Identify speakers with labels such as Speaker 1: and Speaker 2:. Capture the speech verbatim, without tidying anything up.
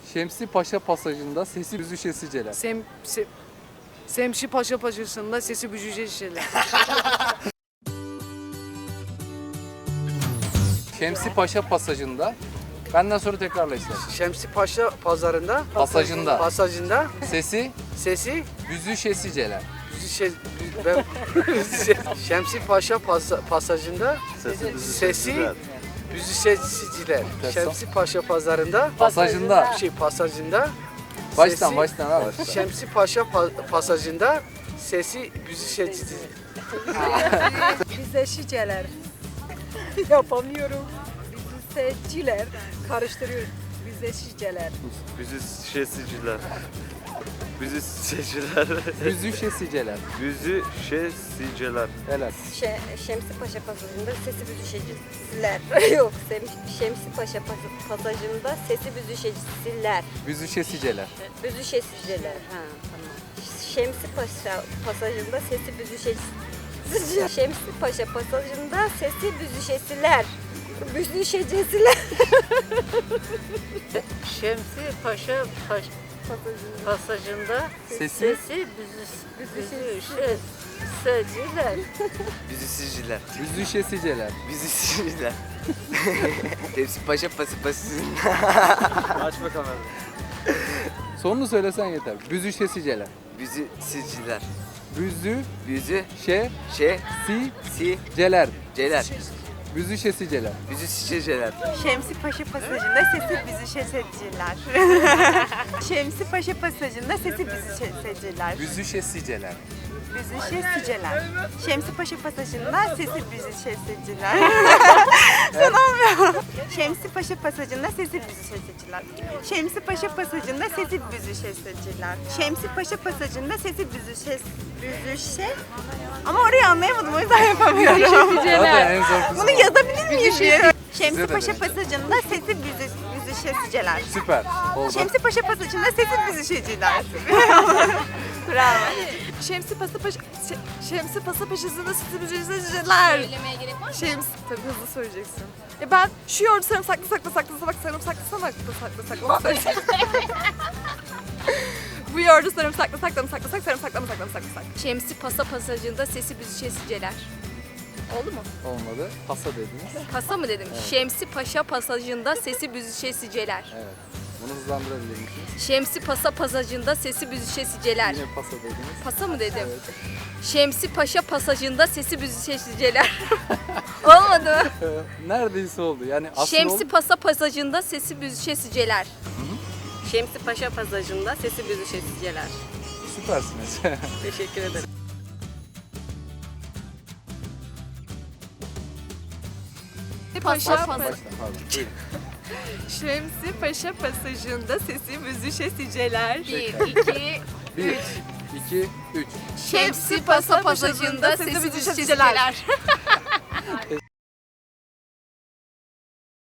Speaker 1: Şemsi Paşa pasajında sesi büzüşesiceler.
Speaker 2: Sem, sem, Semşi Paşa Paşası'nda sesi bücüce şişeler.
Speaker 1: Şemsi Paşa pasajında benden sonra tekrarla istersen.
Speaker 3: Şemsi Paşa pazarında
Speaker 1: Pasajında
Speaker 3: pasajında
Speaker 1: sesi
Speaker 3: sesi
Speaker 1: büzüşesiceler.
Speaker 3: şey, ben, Şemsi Paşa pas- pasajında sesi büzüşeciler. Şemsi Paşa pazarında
Speaker 1: Pasajında.
Speaker 3: şey pasajında
Speaker 1: Baştan
Speaker 3: sesi-
Speaker 1: baştan abi.
Speaker 3: Şemsi Paşa pa- pasajında sesi büzüşeciler.
Speaker 4: Büzüşeciler. Yapamıyorum. Büzüşeciler. Karıştırıyorum. Büzüşeciler.
Speaker 5: Büzüşesiciler. Büzüşesiciler.
Speaker 1: Büzüşesiceler.
Speaker 5: Büzüşesiciler.
Speaker 1: Helal.
Speaker 6: Şe, Şemsi Paşa pasajında sesi büzüşeciler. Yok, Sem- Şemsi Paşa pas- pasajında sesi büzüşeciler.
Speaker 1: Büzüşesiceler.
Speaker 6: Büzüşeciler. Ha, tamam. Şemsi Paşa pasajında sesi büzüşeciler. Şemsi Paşa pasajında sesi büzüşesiler. Büzüşeciler.
Speaker 7: Şemsi Paşa Paş, pasajında
Speaker 1: Sesi
Speaker 7: sesi büzüşesiler.
Speaker 8: Büzüşeciler.
Speaker 1: büzüşesiceler.
Speaker 8: Büzüşeciler. Hepsi paşa pası pasında.
Speaker 5: Aç bakalım.
Speaker 1: Sonunu söylesen yeter. Büzüşesiceler.
Speaker 8: Büzüşeciler.
Speaker 1: Büzüşesiceler.
Speaker 8: Büzü şey si
Speaker 1: Celer.
Speaker 8: celer.
Speaker 1: Büzüşesiceler.
Speaker 8: Büzüşeciler.
Speaker 9: Şemsi Paşa pasajında sesi büzüşesiciler. Şemsi Paşa pasajında sesi büzüşesiciler.
Speaker 1: Büzüşesiceler.
Speaker 9: Büzüşesiciler. Şemsi Paşa pasajında sesi büzüşesiciler. Sanamıyorum. Şemsi Paşa pasajında sesi büzüşesiciler. Şemsi Paşa pasajında sesi büzüşesiciler. Şemsi Paşa pasajında sesi büzüşes büzüşe. Ama orayı anlayamadım, o yüzden yapamıyorum.
Speaker 1: Zaten en zor kısmı.
Speaker 9: Bunu yazabilir miyim diye. Şemsi
Speaker 1: de
Speaker 9: Paşa
Speaker 1: denedim.
Speaker 9: pasajında sesi büzü, büzüşesiceler.
Speaker 1: Süper. Oldu.
Speaker 9: Şemsi Paşa pasajında sesi büzüşeciler. Bravo. Şemsi Paşa Paşa Şemsi Paşa Paşasında sesi büzüşeciler.
Speaker 7: Söylemeye gerek var mı?
Speaker 9: Şems tabii hızlı söyleyeceksin. Ya ben şu yoğurdu sarımsaklı saklı saklı bak sarımsaklı sarımsaklı saklı saklı söyleyeceksin. Bu yoğurdu sarımsaklı saklı saklı saklı sarımsaklı saklı saklı saklı.
Speaker 7: Şemsi Pasa pasajında sesi büzüşesiceler. Oldu mu?
Speaker 1: Olmadı. Pasa dediniz.
Speaker 7: Pasa mı dedim? Şemsi Paşa pasajında sesi büzüşesiceler.
Speaker 1: Evet. Bunu hızlandırabilir misiniz?
Speaker 7: Şemsi Pasa pasajında sesi büzüşesiceler.
Speaker 1: Yine pasa dediniz.
Speaker 7: Pasa mı dedim?
Speaker 1: Evet.
Speaker 7: Şemsi Paşa pasajında sesi büzüşesiceler. Olmadı mı?
Speaker 1: Neredeyse oldu. Yani aslında
Speaker 7: Şemsi
Speaker 1: oldu.
Speaker 7: Pasa pasajında sesi büzüşesiceler.
Speaker 6: Şemsi Paşa pasajında sesi büzüşesiceler.
Speaker 1: Süpersiniz.
Speaker 6: Teşekkür ederim.
Speaker 9: Paşa
Speaker 1: Baştan pardon. Buyurun.
Speaker 9: Şemsi Paşa pasajında sesi büzüşesiceler.
Speaker 7: Bir, iki,
Speaker 1: Bir, iki, üç.
Speaker 7: Şemsi Pasa pasajında sesi büzüşesiceler.